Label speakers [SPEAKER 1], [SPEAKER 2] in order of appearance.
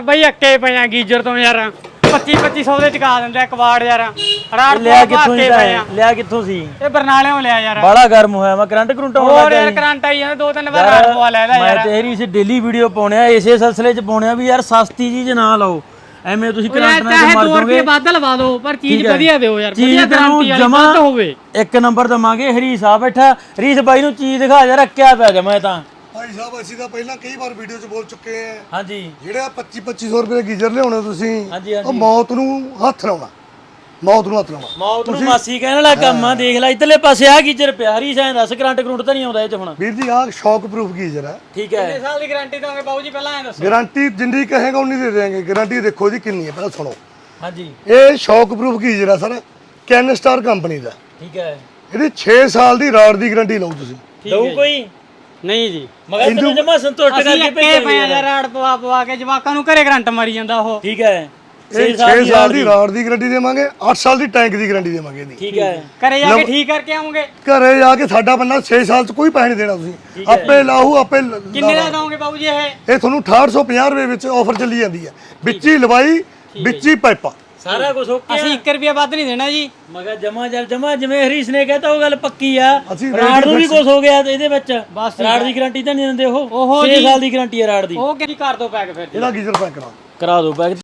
[SPEAKER 1] ਬਈ ਅੱਕੇ ਪਿਆ ਗੀਜਰ ਤੋਂ ਯਾਰ 2500 ਦੇ ਚੁਕਾ ਦਿੰਦੇ ਕਵਾੜ ਯਾਰ ਰਾੜ
[SPEAKER 2] ਲਿਆ ਕਿੱਥੋਂ ਸੀ ਲਿਆ ਕਿੱਥੋਂ ਸੀ
[SPEAKER 1] ਇਹ ਬਰਨਾਲਿਓਂ ਲਿਆ ਯਾਰ
[SPEAKER 2] ਬਾਲਾ ਗਰਮ ਹੋਇਆ ਮੈਂ ਕਰੰਟ ਕਰੰਟ ਆਉਣ
[SPEAKER 1] ਹੋਰ
[SPEAKER 2] ਲੱਗਾ
[SPEAKER 1] ਯਾਰ ਕਰੰਟ ਆਈ ਜਾਂਦਾ 2-3 ਵਾਰ ਰਾੜ ਪਵਾ ਲੈਦਾ ਯਾਰ
[SPEAKER 2] ਮੈਂ ਤੇਰੀ ਇਸ ਡੇਲੀ ਵੀਡੀਓ ਪਾਉਣਿਆ ਇਸੇ ਸਿਲਸਿਲੇ 'ਚ ਪਾਉਣਿਆ ਵੀ ਯਾਰ ਸਸਤੀ ਚੀਜ਼ ਨਾ ਲਾਓ ਐਵੇਂ ਤੁਸੀਂ ਕਰੰਟ ਨਾਲ ਮਰ ਜਾਓਗੇ
[SPEAKER 1] 2 ਰੁਪਏ ਵੱਧ ਲਵਾ ਦਿਓ ਪਰ ਚੀਜ਼ ਵਧੀਆ ਦਿਓ ਯਾਰ
[SPEAKER 2] ਚੀਜ਼
[SPEAKER 1] ਵਧੀਆ ਗਾਰੰਟੀ ਵਾਲੀ ਵੱਧ ਹੋਵੇ
[SPEAKER 2] ਇੱਕ ਨੰਬਰ ਦਵਾਂਗੇ ਹਰੀਸ ਆ ਬੈਠਾ ਹਰੀਸ ਬਾਈ ਨੂੰ ਚੀਜ਼ ਦਿਖਾ ਯਾਰ ਰੱਖਿਆ ਪਿਆ ਜਮਾ ਤਾਂ
[SPEAKER 3] ਭਾਈ ਸਾਹਿਬ ਅਸੀਂ ਤਾਂ ਪਹਿਲਾਂ ਕਈ ਵਾਰ ਵੀਡੀਓ 'ਚ ਬੋਲ ਚੁੱਕੇ ਆ
[SPEAKER 2] ਹਾਂਜੀ
[SPEAKER 3] ਜਿਹੜਾ 2500 ਰੁਪਏ ਦਾ ਗੀਜ਼ਰ ਲਿਆਉਣਾ ਤੁਸੀਂ
[SPEAKER 2] ਹਾਂਜੀ,
[SPEAKER 3] ਉਹ ਮੌਤ ਨੂੰ ਹੱਥ ਲਾਉਣਾ ਮੌਤ ਨੂੰ ਹੱਥ ਲਾਉਣਾ
[SPEAKER 2] ਮੌਤ ਨੂੰ ਮਾਸੀ ਕਹਿਣ ਵਾਲਾ ਕੰਮ ਆ ਦੇਖ ਲੈ ਇਧਰਲੇ ਪਾਸੇ ਆ ਗੀਜ਼ਰ ਪਿਆ ਹਰੀਸ ਐਂ ਦੱਸ ਕਰੰਟ ਕਰੰਟ ਤਾਂ ਨਹੀਂ ਆਉਂਦਾ ਇਹ 'ਚ ਹੁਣ
[SPEAKER 3] ਵੀਰ ਜੀ ਆਹ ਸ਼ੌਕ ਪ੍ਰੂਫ ਗੀਜ਼ਰ ਹੈ
[SPEAKER 2] ਠੀਕ ਹੈ
[SPEAKER 1] ਕਿੰਨੇ ਸਾਲ ਦੀ ਗਾਰੰਟੀ ਦੋਗੇ ਬਾਬੂ ਜੀ ਪਹਿਲਾਂ ਐਂ ਦੱਸੋ
[SPEAKER 3] ਗਾਰੰਟੀ ਜਿੰਨੀ ਕਹੇਗਾ ਉਨੀ ਦੇ ਦੇਵਾਂਗੇ ਗਾਰੰਟੀ ਦੇਖੋ ਜੀ ਕਿੰਨੀ ਹੈ ਪਹਿਲਾਂ ਸੁਣੋ
[SPEAKER 2] ਹਾਂਜੀ
[SPEAKER 3] ਇਹ ਸ਼ੌਕ ਪ੍ਰੂਫ ਗੀਜ਼ਰ ਆ ਸਰ ਕੈਨ ਸਟਾਰ ਕੰਪਨੀ ਦਾ
[SPEAKER 2] ਠੀਕ ਹੈ
[SPEAKER 3] ਇਹਦੀ 6 ਸਾਲ ਦੀ ਰਾਡ ਦੀ ਗਾਰੰਟੀ ਲਓ ਤੁਸੀਂ
[SPEAKER 2] ਦਊ ਕੋਈ
[SPEAKER 1] ਨਹੀਂ ਜੀ
[SPEAKER 2] ਮਗਰ ਤੈਨੂੰ ਜਮਾ ਸੰਤੁਸ਼ਟ
[SPEAKER 1] ਅਸੀਂ
[SPEAKER 2] ਕਰਕੇ
[SPEAKER 1] ਅੱਕੇ ਪਿਆ ਯਾਰ ਰਾੜ ਪਵਾ ਕੇ ਜਵਾਕਾਂ ਨੂੰ ਘਰੇ ਕਰੰਟ ਮਾਰੀ ਜਾਂਦਾ ਉਹ
[SPEAKER 2] ਠੀਕ ਹੈ
[SPEAKER 3] ਇਹ 6 ਸਾਲ ਦੀ ਰਾਡ ਦੀ ਗਾਰੰਟੀ ਦੇਵਾਂਗੇ 8 ਸਾਲ ਦੀ ਟੈਂਕ ਦੀ ਗਾਰੰਟੀ ਦੇਵਾਂਗੇ ਇਹਦੀ
[SPEAKER 2] ਠੀਕ ਹੈ
[SPEAKER 1] ਘਰੇ ਜਾ ਕੇ ਠੀਕ ਕਰਕੇ ਆਉਂਗੇ
[SPEAKER 3] ਘਰੇ ਜਾ ਕੇ ਸਾਡਾ ਬੰਦਾ 6 ਸਾਲ ਚ ਕੋਈ ਪੈਸੇ ਨਹੀਂ ਦੇਣਾ ਤੁਸੀਂ ਆਪੇ ਲਾਹੂ ਆਪੇ
[SPEAKER 1] ਕਿੰਨੇ ਦਾ ਦੋਗੇ ਬਾਬੂ ਜੀ ਇਹ
[SPEAKER 3] ਇਹ ਤੁਹਾਨੂੰ 6850 ਰੁਪਏ ਵਿੱਚ ਆਫਰ ਚੱਲੀ ਜਾਂਦੀ ਹੈ ਵਿੱਚ ਹੀ ਲਵਾਈ ਵਿੱਚ ਹੀ ਪਾਈਪਾਂ
[SPEAKER 2] ਸਾਰਾ ਕੁਝ ਓਕੇ
[SPEAKER 1] ਅਸੀਂ 1 ਰੁਪਿਆ ਵੱਧ ਨਹੀਂ ਦੇਣਾ ਜੀ
[SPEAKER 2] ਮਗਾ ਜਮਾ ਜਿਵੇਂ ਹਰੀਸ ਨੇ ਕਹਿਤਾ ਉਹ ਗੱਲ ਪੱਕੀ ਆ
[SPEAKER 3] ਅਸੀਂ
[SPEAKER 2] ਰਾੜ ਨੂੰ ਵੀ ਕੁਝ ਹੋ ਗਿਆ ਇਹਦੇ ਵਿੱਚ ਰਾੜ ਦੀ ਗਾਰੰਟੀ ਤਾਂ ਨਹੀਂ ਦਿੰਦੇ ਉਹ 6 ਸਾਲ ਦੀ ਗਾਰੰਟੀ ਹੈ ਰਾੜ ਦੀ
[SPEAKER 1] ਉਹ ਕੀ ਕਰ ਦੋ ਪੈਕ ਫਿਰ
[SPEAKER 3] ਇਹਦਾ ਗੀਜ਼ਰ ਪੈਕ ਕਰਾ
[SPEAKER 2] ਕਰਾ ਦਿਓ ਪੈਕ